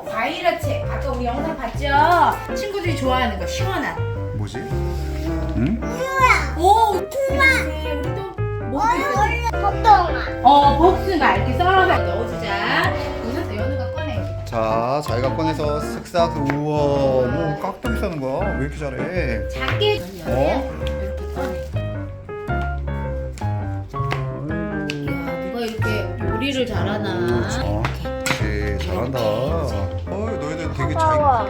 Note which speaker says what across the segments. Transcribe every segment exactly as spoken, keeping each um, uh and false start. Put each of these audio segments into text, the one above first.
Speaker 1: 어, 과일야채. 아까 우리 영상 봤죠? 친구들이 좋아하는 거 시원한.
Speaker 2: 뭐지? 응?
Speaker 1: 오, 투마. 우리도 뭐 있어?
Speaker 3: 복숭아.
Speaker 1: 어, 복숭아 이렇게 썰어서 넣어주자. 그래서 연우가 꺼내.
Speaker 2: 자, 자기가 꺼내서 쓱싹. 우와, 뭐 깍두기 싸는 거야? 왜 이렇게 잘해?
Speaker 1: 작게
Speaker 2: 어?
Speaker 1: 이렇게 꺼내. 이야, 누가 이렇게 요리를 잘하나?
Speaker 2: 어, 그렇지. 잘한다. 어, 너희들 되게 잘.
Speaker 3: 아까워.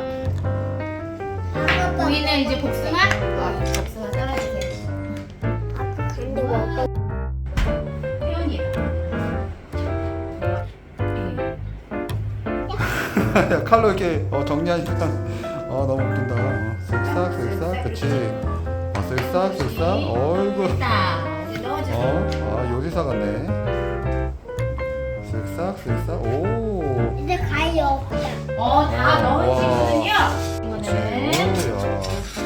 Speaker 1: 보이는 이제 복숭아? 어, 복숭아 썰어주세요.
Speaker 3: 근데 뭐
Speaker 1: 혜연이랑.
Speaker 2: 야, 칼로 이렇게 어, 정리하니까 아 너무 웃긴다. 어, 쓱싹 쓱싹, 그렇지. 어, 쓱싹 쓱싹. 어이구.
Speaker 1: 됐다. 이제 넣어주세요.
Speaker 2: 어, 아 요리사 같네. 쓱싹 쓱싹. 오.
Speaker 3: 이제 과일 없다.
Speaker 1: 어, 다 넣은
Speaker 2: 와.
Speaker 1: 친구는요. 이거는
Speaker 2: 오야.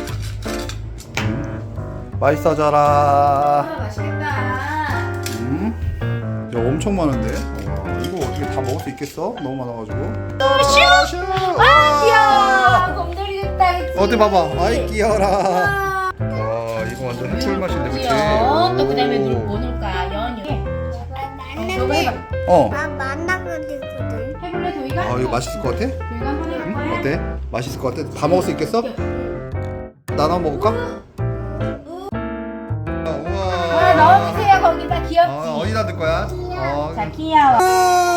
Speaker 2: 음. 맛있어져라.
Speaker 1: 아, 맛있겠다.
Speaker 2: 음. 야 엄청 많은데. 와, 이거 어떻게 다 먹을 수 있겠어? 너무 많아가지고. 슈.
Speaker 1: 아, 귀여워. 곰돌이 됐다. 그치?
Speaker 2: 어디 봐봐. 아이 귀여워라.
Speaker 1: 아,
Speaker 2: 와 이거 완전 해초물 맛인데 그치?
Speaker 1: 귀여워. 또 그다음에
Speaker 2: 오.
Speaker 1: 누- 뭐 넣을까? 연유. 너가
Speaker 3: 만나게.
Speaker 1: 해봐.
Speaker 2: 어.
Speaker 3: 나 만나거든.
Speaker 1: 해볼래 도희가?
Speaker 2: 아 이거 맛있을 것 같아?
Speaker 1: 도희가 한번
Speaker 2: 응?
Speaker 1: 해볼까?
Speaker 2: 어때? 맛있을 것 같아? 다 먹을 수 있겠어? 나눠 먹을까?
Speaker 1: 아,
Speaker 2: 우와.
Speaker 1: 넣어주세요. 거기다 귀엽지.
Speaker 2: 어, 어디다 넣을 거야? 어,
Speaker 1: 자, 귀여워.